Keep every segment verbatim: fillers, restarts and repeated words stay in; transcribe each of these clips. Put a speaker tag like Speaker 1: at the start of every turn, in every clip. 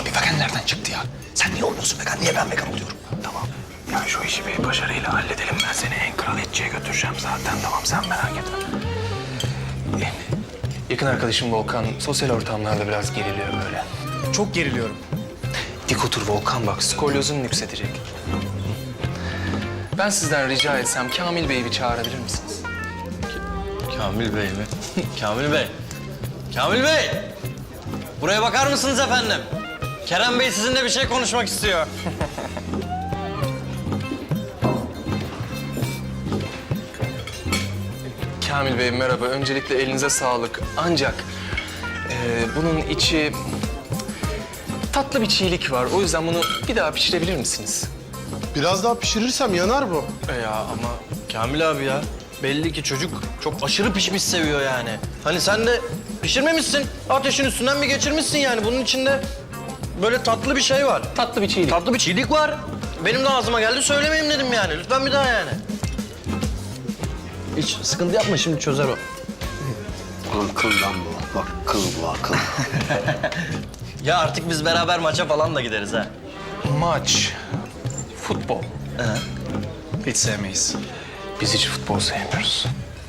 Speaker 1: vegan nereden çıktı ya? Sen niye olmuyorsun vegan? Niye ben vegan oluyorum? Tamam. Ya şu işi bir başarıyla halledelim. Ben seni en kral etçiye götüreceğim zaten. Tamam, sen merak etme. Yakın arkadaşım Volkan sosyal ortamlarda biraz geriliyor böyle.
Speaker 2: Çok geriliyorum.
Speaker 1: Dik otur Volkan, bak skolyozun yükselecek. Ben sizden rica etsem Kamil Bey'i bir çağırabilir misiniz?
Speaker 3: Kamil Bey mi? Kamil Bey. Kamil Bey! Buraya bakar mısınız efendim? Kerem Bey sizinle bir şey konuşmak istiyor.
Speaker 1: Kamil Bey merhaba. Öncelikle elinize sağlık. Ancak e, bunun içi tatlı bir çiğlik var. O yüzden bunu bir daha pişirebilir misiniz?
Speaker 4: Biraz daha pişirirsem yanar bu.
Speaker 1: E ya ama
Speaker 3: Kamil abi ya, belli ki çocuk çok aşırı pişmiş seviyor yani. Hani sen de pişirmemişsin, ateşin üstünden bir geçirmişsin yani. Bunun içinde böyle tatlı bir şey var.
Speaker 1: tatlı bir çiğlik.
Speaker 3: Tatlı bir çiğlik var. Benim de ağzıma geldi, söylemeyeyim dedim yani. Lütfen bir daha yani. Hiç sıkıntı yapma, şimdi çözer o.
Speaker 5: Oğlum kıl lan bu. Bak kıl bu akıl.
Speaker 3: Ya artık biz beraber maça falan da gideriz ha.
Speaker 1: Maç, futbol.
Speaker 2: Hiç sevmeyiz.
Speaker 1: Biz hiç futbol sevmiyoruz.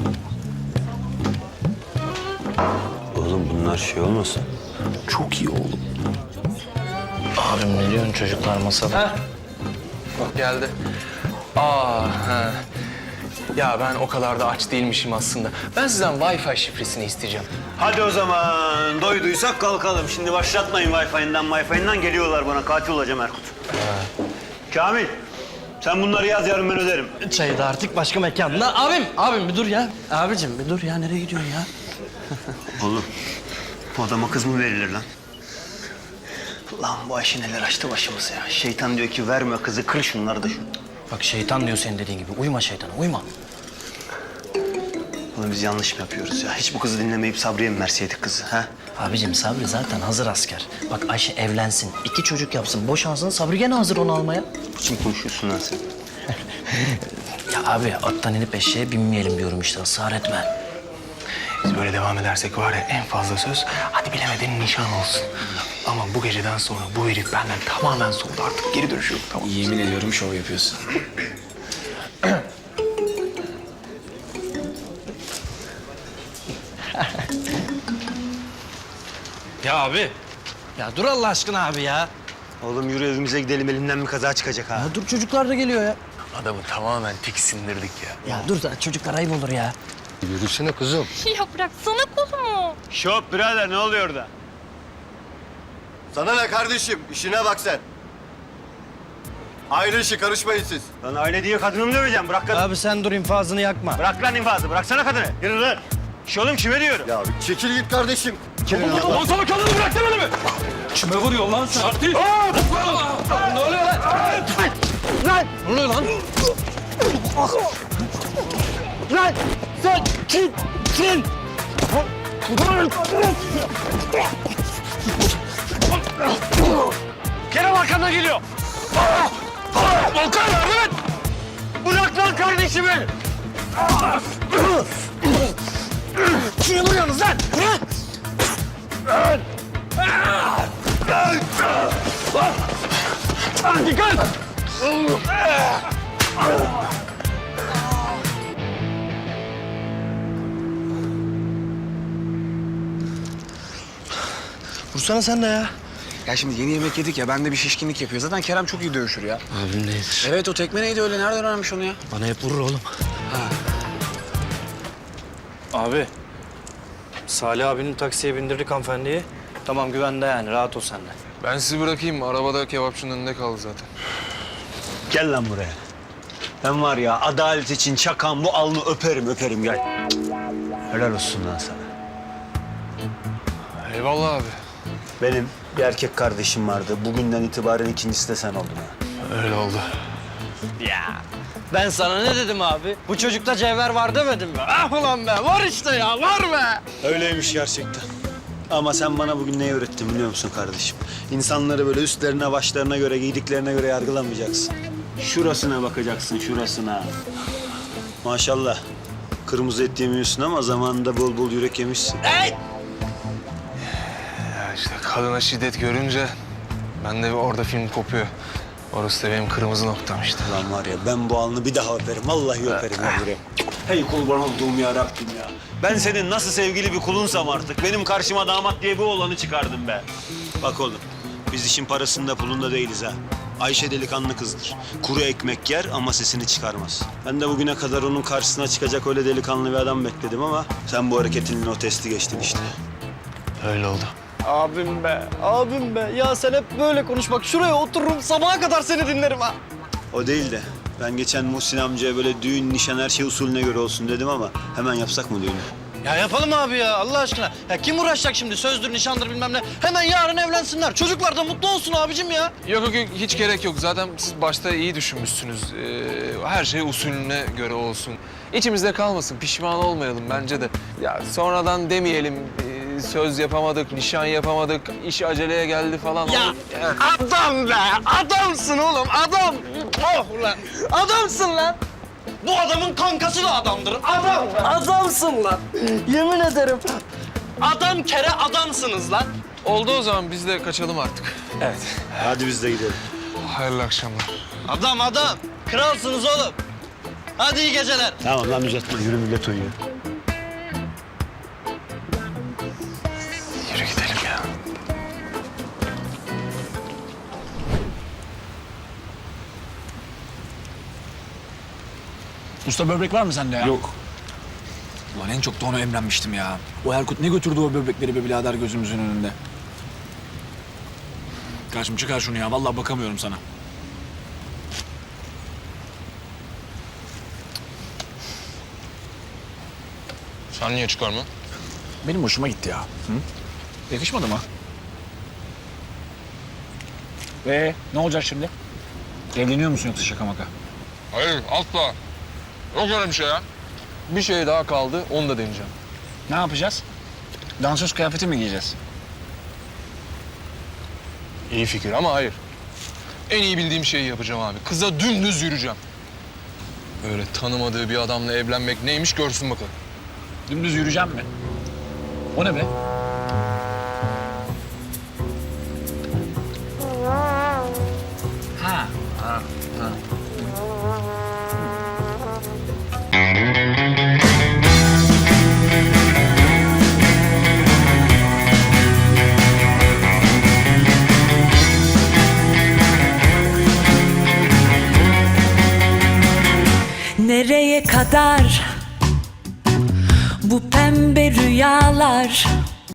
Speaker 5: Oğlum bunlar şey olmasın?
Speaker 1: Çok iyi oğlum.
Speaker 3: Abim ne diyorsun, çocuklar masada?
Speaker 1: Bak geldi. Aa, ha. Ya ben o kadar da aç değilmişim aslında. Ben sizden Wi-Fi şifresini isteyeceğim.
Speaker 5: Hadi o zaman doyduysak kalkalım. Şimdi başlatmayın Wi-Fi'nden Wi-Fi'nden geliyorlar bana. Katil olacağım Erkut. Kamil sen bunları yaz, yarın ben öderim.
Speaker 3: Çayı da artık başka mekanda. Abim, abim bir dur ya. Abicim bir dur ya, nereye gidiyorsun ya?
Speaker 5: Oğlum bu adama kız mı verilir lan? Lan bu Ayşe neler açtı başımıza ya. Şeytan diyor ki verme kızı, kır şunları da şu.
Speaker 3: Bak şeytan diyor senin dediğin gibi. Uyma şeytana, uyma.
Speaker 5: Oğlum biz yanlış mı yapıyoruz ya? Hiç bu kızı dinlemeyip Sabri'ye mi verseydik kızı ha?
Speaker 3: Abicim Sabri zaten hazır asker. Bak Ayşe evlensin, iki çocuk yapsın, boşansın. Sabri gene hazır onu almaya.
Speaker 5: Kim konuşuyorsun lan sen?
Speaker 3: Ya abi attan inip eşeğe binmeyelim diyorum işte, ısrar etme.
Speaker 1: Biz böyle devam edersek var ya en fazla söz, hadi bilemedin nişan olsun. Ama bu geceden sonra bu herif benden tamamen soğudu, artık geri dönüşü yok, tamam.
Speaker 2: Yemin ediyorum şov yapıyorsun.
Speaker 3: Ya abi. Ya dur Allah aşkına abi ya.
Speaker 5: Oğlum yürü evimize gidelim, elimden bir kaza çıkacak ha.
Speaker 3: Ya dur çocuklar da geliyor ya.
Speaker 1: Adamı tamamen tiksindirdik ya.
Speaker 3: Ya dur da çocuklar ayıp olur ya.
Speaker 1: Yürüsene kızım.
Speaker 6: Ya bıraksana kolumu.
Speaker 5: Şop birader, ne oluyor orada?
Speaker 7: Sana ne kardeşim? İşine bak sen. Aile işi, karışmayın siz.
Speaker 5: Lan aile diye kadını mı döveceğim? Bırak kadını.
Speaker 3: Abi sen dur, infazını yakma.
Speaker 5: Bırak lan infazı, bıraksana kadını. Yürü lan. Şş oğlum kime diyorum?
Speaker 7: Ya bir çekil git kardeşim.
Speaker 2: Lan sana kadını bırak demedi mi? Kime vuruyor lan sen? Artist! Ne oluyor lan?
Speaker 3: Ne oluyor lan?
Speaker 5: Lan sen kimsin?
Speaker 3: Kerem arkamdan geliyor.
Speaker 5: Volkan yardım et! Bırak lan kardeşimi!
Speaker 3: Kime vuruyorsunuz lan?
Speaker 5: Dikkat!
Speaker 3: Vursana sen de ya.
Speaker 2: Ya şimdi yeni yemek yedik ya, bende bir şişkinlik yapıyor. Zaten Kerem çok iyi dövüşür ya.
Speaker 3: Abim neyidir?
Speaker 2: Evet, o tekme neydi öyle? Nereden öğrenmiş onu ya?
Speaker 3: Bana hep vurur oğlum. Abi, Salih abinin taksiye bindirdik hanımefendiyi. Tamam güvende yani, rahat ol sen de.
Speaker 1: Ben sizi bırakayım, arabada kebapçının önünde kaldı zaten.
Speaker 5: Gel lan buraya. Ben var ya adalet için çakan bu alnı öperim öperim gel. Helal olsun lan sana.
Speaker 1: Eyvallah abi.
Speaker 5: Benim bir erkek kardeşim vardı. Bugünden itibaren ikincisi de sen oldun ha.
Speaker 1: Öyle oldu.
Speaker 3: Ya ben sana ne dedim abi? Bu çocukta cevher var demedim mi? Ah ulan be, var işte ya, var be.
Speaker 5: Öyleymiş gerçekten. Ama sen bana bugün neyi öğrettin biliyor musun kardeşim? İnsanları böyle üstlerine, başlarına göre, giydiklerine göre yargılamayacaksın. Şurasına bakacaksın, şurasına. Maşallah. Kırmızı et yemiyorsun ama zamanında bol bol yürek yemişsin.
Speaker 1: Ya işte kadına şiddet görünce Ben de orada film kopuyor. Orası da benim kırmızı noktam işte.
Speaker 5: Lan var ya ben bu alnı bir daha öperim. Vallahi öperim ya buraya. Hey kurban olduğum ya Rabbim ya. Ben senin nasıl sevgili bir kulunsam artık. Benim karşıma damat diye bir oğlanı çıkardım be. Bak oğlum biz işin parasında pulunda değiliz ha. Ayşe delikanlı kızdır. Kuru ekmek yer ama sesini çıkarmaz. Ben de bugüne kadar onun karşısına çıkacak öyle delikanlı bir adam bekledim ama sen bu hareketinle o testi geçtin işte.
Speaker 1: Öyle oldu.
Speaker 3: Abim be, abim be. Ya sen hep böyle konuş bak. Şuraya otururum sabaha kadar seni dinlerim ha.
Speaker 5: O değil de ben geçen Muhsin amcaya böyle düğün, nişan her şey usulüne göre olsun dedim ama hemen yapsak mı düğünü?
Speaker 3: Ya yapalım abi ya Allah aşkına. Ya kim uğraşacak şimdi sözdür, nişandır bilmem ne. Hemen yarın evlensinler. Çocuklar da mutlu olsun abicim ya.
Speaker 1: Yok yok yok, hiç gerek yok. Zaten siz başta iyi düşünmüşsünüz. Ee, her şey usulüne göre olsun. İçimizde kalmasın, pişman olmayalım bence de. Ya sonradan demeyelim, ee, söz yapamadık, nişan yapamadık, iş aceleye geldi falan.
Speaker 3: Ya adam be, adamsın oğlum, adam. Oh ulan, adamsın lan. Bu adamın kankası da adamdır, adam. Adamsın lan, yemin ederim. Adam kere adamsınız lan.
Speaker 1: Oldu o zaman, biz de kaçalım artık.
Speaker 5: Hadi biz de gidelim.
Speaker 1: Hayırlı akşamlar.
Speaker 3: Adam adam, kralsınız oğlum. Hadi iyi geceler.
Speaker 5: Tamam lan uzatma yürü millet uyuyor.
Speaker 1: Yürü gidelim ya.
Speaker 2: Usta böbrek var mı sende ya? Yok. Ulan en çok da ona emrenmiştim ya. O Erkut ne götürdü o böbrekleri be birader gözümüzün önünde. Karşım çıkar şunu ya. Vallahi bakamıyorum sana.
Speaker 1: Sen niye çıkarma?
Speaker 2: Benim hoşuma gitti ya. Hı? Yakışmadı mı? Ee, ne olacak şimdi? Evleniyor musun yoksa şaka maka?
Speaker 1: Hayır, asla. Yok öyle bir şey ya. Bir şey daha kaldı, onu da deneyeceğim.
Speaker 2: Ne yapacağız? Dansöz kıyafeti mi giyeceğiz?
Speaker 1: İyi fikir ama hayır. En iyi bildiğim şeyi yapacağım abi. Kıza dümdüz yürüyeceğim. Öyle tanımadığı bir adamla evlenmek neymiş görsün bakalım.
Speaker 2: Dümdüz yürüyeceğim mi? O ne be? Ha. Ha. Ha.
Speaker 8: Nereye kadar bu pembe rüyalar?